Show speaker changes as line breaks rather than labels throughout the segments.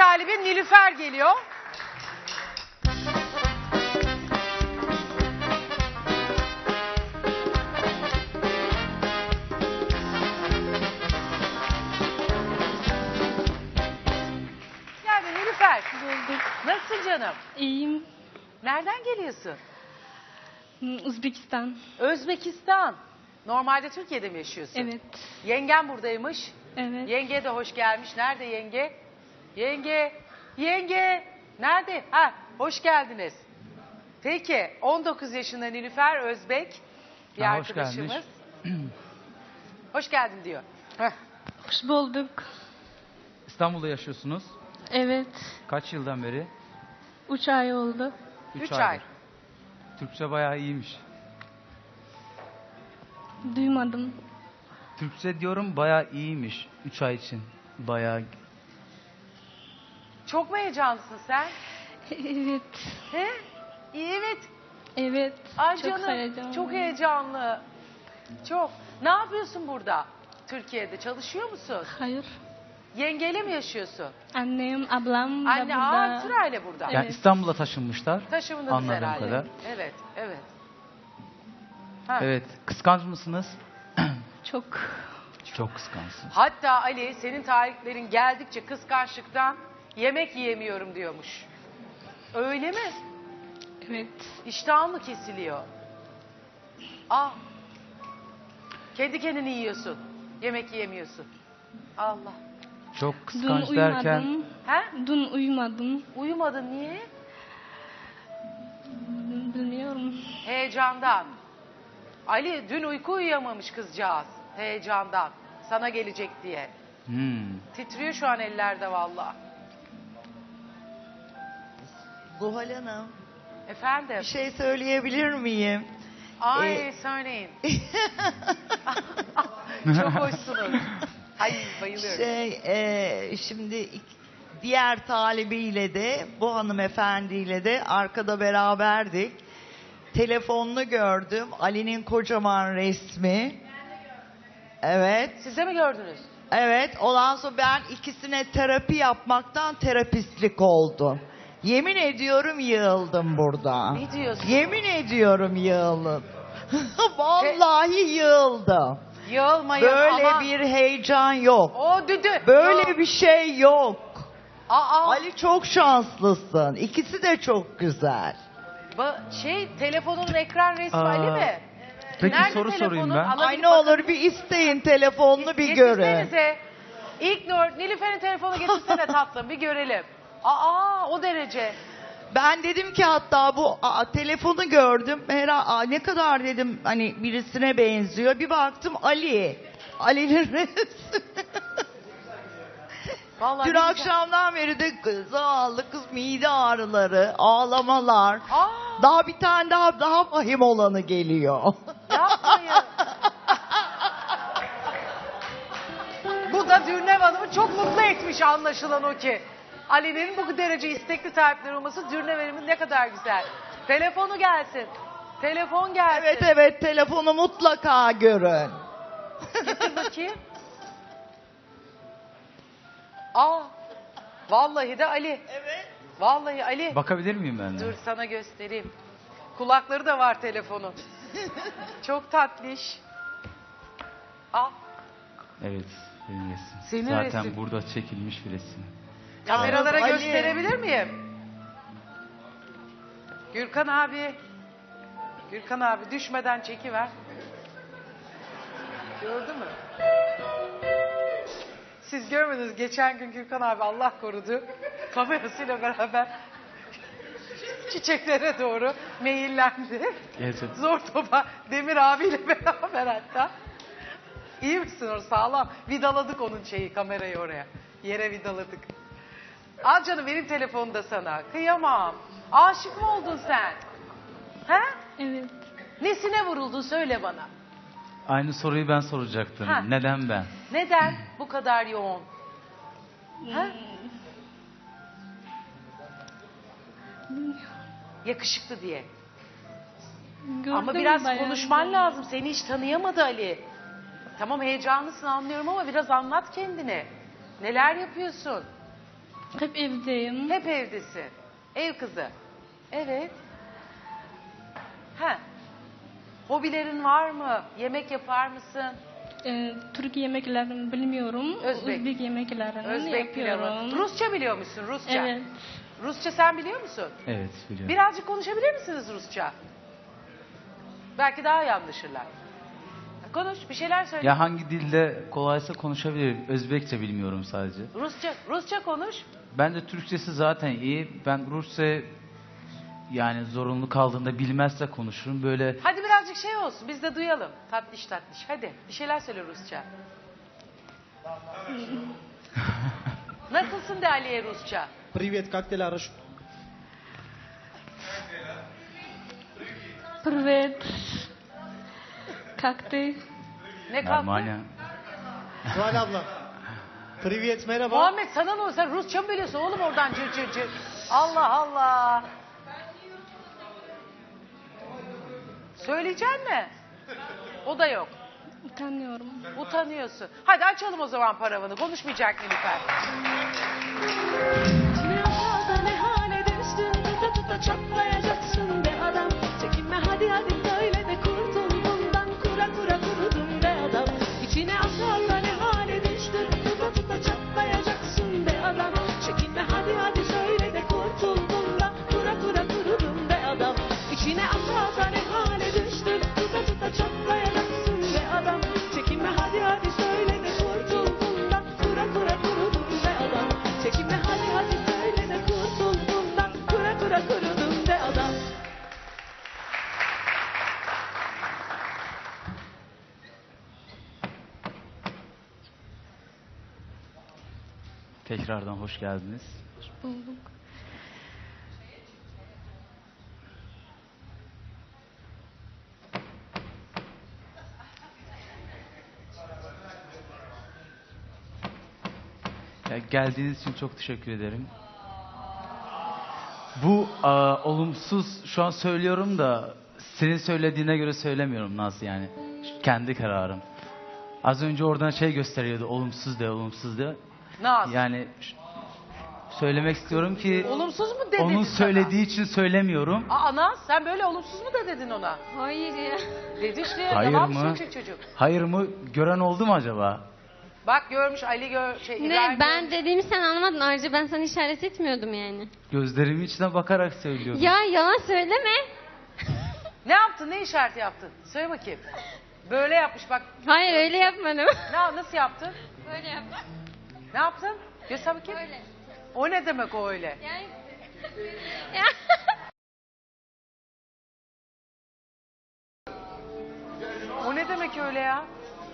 talibin Nilüfer geliyor. Yani Nilüfer. Nasılsın canım?
İyiyim.
Nereden geliyorsun?
Özbekistan.
Özbekistan. Normalde Türkiye'de mi yaşıyorsun?
Evet.
Yengen buradaymış.
Evet.
Yenge de hoş gelmiş. Nerede yenge? Yenge. Yenge. Nerede? Ha, hoş geldiniz. Peki 19 yaşında Nilüfer Özbek bir
Ha, hoş
arkadaşımız. Hoş geldin diyor. Heh.
Hoş bulduk.
İstanbul'da yaşıyorsunuz.
Evet.
Kaç yıldan beri?
3 ay oldu.
3 ay.
Türkçe bayağı iyiymiş.
Duymadım.
Türkçe diyorum bayağı iyiymiş. 3 ay için. Bayağı.
Çok mu heyecanlısın sen?
Evet.
He? Evet.
Evet.
Ay
çok
canım,
heyecanlı.
çok heyecanlı. Çok. Ne yapıyorsun burada? Türkiye'de çalışıyor musun?
Hayır.
Yengeyle mi yaşıyorsun?
Annem, ablam da
Anne,
burada.
sırayla burada.
Yani
Evet.
İstanbul'a taşınmışlar.
Taşımındınız
Anladığım
herhalde.
kadar.
Evet, evet. Ha.
Evet. Kıskanç mısınız?
Çok.
Çok kıskançsınız.
Hatta Ali senin tarihlerin geldikçe kıskançlıktan yemek yiyemiyorum diyormuş. Öyle mi?
Evet.
İştahın mı kesiliyor? Kendi kendini yiyorsun. Yemek yiyemiyorsun. Allah.
Çok
Dün
kıskanç
uyumadım.
derken
He?
Dün uyumadım.
Uyumadın niye?
Bilmiyorum.
Heyecandan. Ali dün uyku uyuyamamış kızcağız. Heyecandan. Sana gelecek diye. Titriyor şu an ellerde vallahi.
Zuhal Hanım,
Efendim?
bir şey söyleyebilir miyim?
Ay söyleyin. Çok hoşsunuz. Ay bayılıyorum.
Şimdi diğer talibiyle de bu hanımefendiyle de arkada beraberdik. Telefonunu gördüm. Ali'nin kocaman resmi. Evet.
Siz de mi gördünüz?
Evet. Ondan sonra ben ikisine terapi yapmaktan terapistlik oldum. Yemin ediyorum yığıldım burada.
Ne diyorsun?
Yemin ediyorum yığıldım. Vallahi yığıldım.
Yığılmayın
Böyle
ama.
bir heyecan yok.
O düdü.
Böyle
Yok.
bir şey yok.
Aa,
Ali çok şanslısın. İkisi de çok güzel.
Telefonun ekran resmi
Aa,
Ali mi?
Peki
Nerede
soru sorayım
telefonun?
ben.
Alabilir
Ay ne olur bir isteyin telefonunu bir görün.
Getirsenize. İlknur, Nilüfer'in telefonu getirsene tatlım bir görelim. O derece.
Ben dedim ki hatta bu telefonu gördüm. Ne kadar dedim hani birisine benziyor. Bir baktım Ali. Ali'nin resmi.
Vallahi
Dün
ne güzel.
akşamdan beri de zavallı kız mide ağrıları, ağlamalar.
Aa,
Daha bir tane daha vahim olanı geliyor.
yapmayın. Bu da Dürnev Hanım'ı çok mutlu etmiş anlaşılan o ki. Ali'nin bu derece istekli sahipleri olması Dürnev Hanım'ın ne kadar güzel. Telefonu gelsin. Telefon gelsin.
Evet telefonu mutlaka görün.
Getir bakayım. Vallahi de Ali.
Evet.
Vallahi Ali.
Bakabilir miyim ben de?
Dur sana göstereyim. Kulakları da var telefonun. Çok tatlış.
Evet. Benim resim.
Senin
Zaten
resim.
burada çekilmiş bir resim.
Kameralara
Ali.
gösterebilir miyim? Gürkan abi. Gürkan abi düşmeden çekiver. Gördün mü? Siz görmediniz. Geçen gün Gürkan abi Allah korudu. Kamerasıyla beraber çiçeklere doğru meyillendi.
Gerçekten.
Zor topa Demir abiyle beraber hatta. İyi misin orası sağlam? Vidaladık onun kamerayı oraya. Yere vidaladık. Al canım benim telefonu da sana. Kıyamam. Aşık mı oldun sen? He?
Evet.
Nesine vuruldun söyle bana.
Aynı soruyu ben soracaktım.
Ha.
Neden ben?
Neden bu kadar yoğun? He? Yakışıklı diye.
Gördüm
Ama biraz
bayağı
konuşman
güzel.
lazım. Seni hiç tanıyamadı Ali. Tamam heyecanlısın anlıyorum ama biraz anlat kendini. Neler yapıyorsun?
Hep evdeyim.
Hep evdesin. Ev kızı. Evet. Ha. Hobilerin var mı? Yemek yapar mısın?
Türk yemeklerini bilmiyorum.
Özbek.
Özbek yemeklerini
Özbek pilavı.
yapıyorum.
Rusça biliyor musun? Rusça.
Evet.
Rusça sen biliyor musun?
Evet biliyorum.
Birazcık konuşabilir misiniz Rusça? Belki daha iyi anlaşırlar. Konuş, bir şeyler söyle.
Ya hangi dilde kolaysa konuşabilirim. Özbekçe bilmiyorum sadece.
Rusça konuş.
Ben de Türkçesi zaten iyi. Ben Rusça yani zorunlu kaldığında bilmezse konuşurum. Böyle
Hadi birazcık şey olsun, biz de duyalım. Tatlış tatlış. Hadi, bir şeyler söyle Rusça. Nasılsın de Ali'ye Rusça?
Привет, как дела, Раш?
Привет. Как ты?
Ne kalktı?
normal ya.
Zuhal abla. Привет, merhaba.
Muhammed sana ne oldu? Sen Rusça mı biliyorsun oğlum oradan cır cır cır. Allah Allah. Söyleyecek mi? O da yok.
Utanıyorum.
Utanıyorsun. Hadi açalım o zaman paravanı. Konuşmayacak Nilüfer.
Ne hata ne hale düştün, tuta tuta çatlayacaksın be adam. Çekinme hadi hadi söyle de kurtul bundan, kura kura kurudun be adam. İçine atarla ne hale düştün, tuta tuta çatlayacaksın be adam. Çekinme hadi hadi söyle de kurtul bundan, kura kura kurudun be adam. İçine atarla ne hale düştün, tuta tuta çatlayacaksın be adam. Çekinme hadi hadi söyle de kurtul bundan, kura kura kurudun be adam. Çekinme hadi hadi söyle de kurtul bundan, kura kura kurudun be adam.
Tekrardan hoş geldiniz.
Bulduk.
Ya geldiğiniz için çok teşekkür ederim. Bu olumsuz şu an söylüyorum da senin söylediğine göre söylemiyorum Naz yani. Kendi kararım. Az önce oradan şey gösteriyordu olumsuz de olumsuz de.
Naz.
Yani söylemek istiyorum ki
Olumsuz mu dedi
onun
sana?
söylediği için söylemiyorum.
Aa Naz sen böyle olumsuz mu da dedin ona?
Hayır ya.
Dedi işte ya.
Hayır
Yalan
mı?
söyleyecek çocuk.
Hayır mı? Gören oldu mu acaba?
Bak görmüş Ali İbrahim
Ne ben
görmüş.
dediğimi sen anlamadın. Ayrıca ben sana işaret etmiyordum yani.
Gözlerimin içine bakarak söylüyordum.
Ya yalan söyleme.
Ne yaptın? Ne işareti yaptın? Söyle bakayım. Böyle yapmış bak.
Hayır öyle yapmadım.
Nasıl yaptın?
Böyle yaptım.
Ne yaptın? Göster bakayım.
Öyle.
O ne demek o öyle?
Yani... Ya.
O ne demek öyle ya?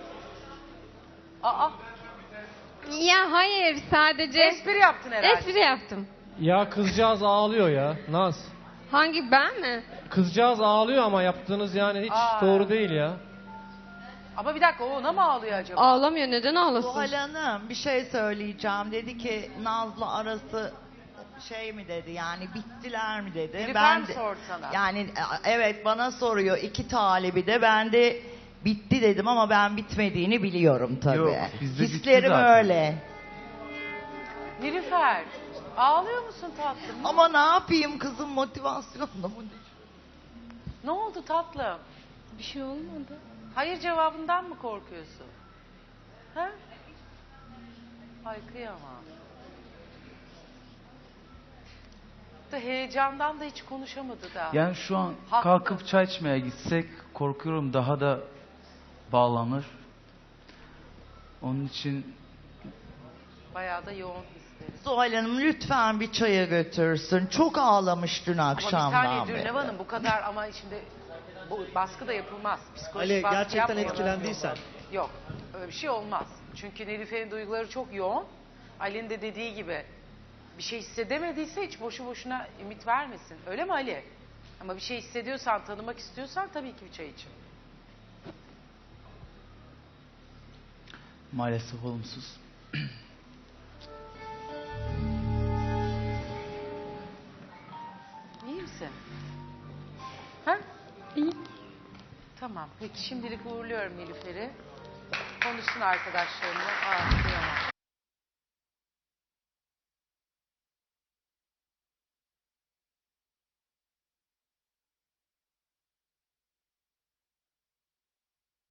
Aa,
Ya hayır sadece
espri yaptın herhalde.
espri yaptım.
Ya kızcağız ağlıyor ya, Naz.
Hangi ben mi?
Kızcağız ağlıyor ama yaptığınız yani hiç
Aa.
doğru değil ya.
Ama bir dakika o ona mı ağlıyor acaba?
Ağlamıyor. Neden ağlasın?
Zuhal Hanım bir şey söyleyeceğim. Dedi ki Naz'la arası şey mi dedi yani bittiler mi dedi.
Nilüfer mi sordu sana?
Yani evet bana soruyor iki talibi de ben de bitti dedim ama ben bitmediğini biliyorum tabii.
Yok, bizde bitti
Hislerim
zaten.
öyle.
Nilüfer ağlıyor musun tatlım?
Ama ne yapayım kızım motivasyonla mı?
Ne oldu tatlım?
Bir şey olmadı.
Hayır cevabından mı korkuyorsun? Ha? Ay kıyamam. Da heyecandan da hiç konuşamadı da.
Yani şu an
Haklı.
kalkıp çay içmeye gitsek korkuyorum daha da bağlanır. Onun için
Bayağı da yoğun hisleri.
Zuhal Hanım lütfen bir çaya götürsün. Çok ağlamış dün
Ama bir
akşamdan
saniye
beri.
Dürnev Hanım bu kadar ama şimdi bu baskı da yapılmaz. Psikolojik
Ali
baskı
gerçekten
yapmayalım.
etkilendiysen.
Yok öyle bir şey olmaz. Çünkü Nilüfer'in duyguları çok yoğun. Ali'nin de dediği gibi bir şey hissedemediyse hiç boşu boşuna ümit vermesin. Öyle mi Ali? Ama bir şey hissediyorsan, tanımak istiyorsan tabii ki bir çay için.
maalesef olumsuz.
İyi misin? Ha?
İyi.
Tamam. Peki şimdilik uğurluyorum Nilüfer'i. Konuşsun arkadaşlarımla. Aa, kıyamam.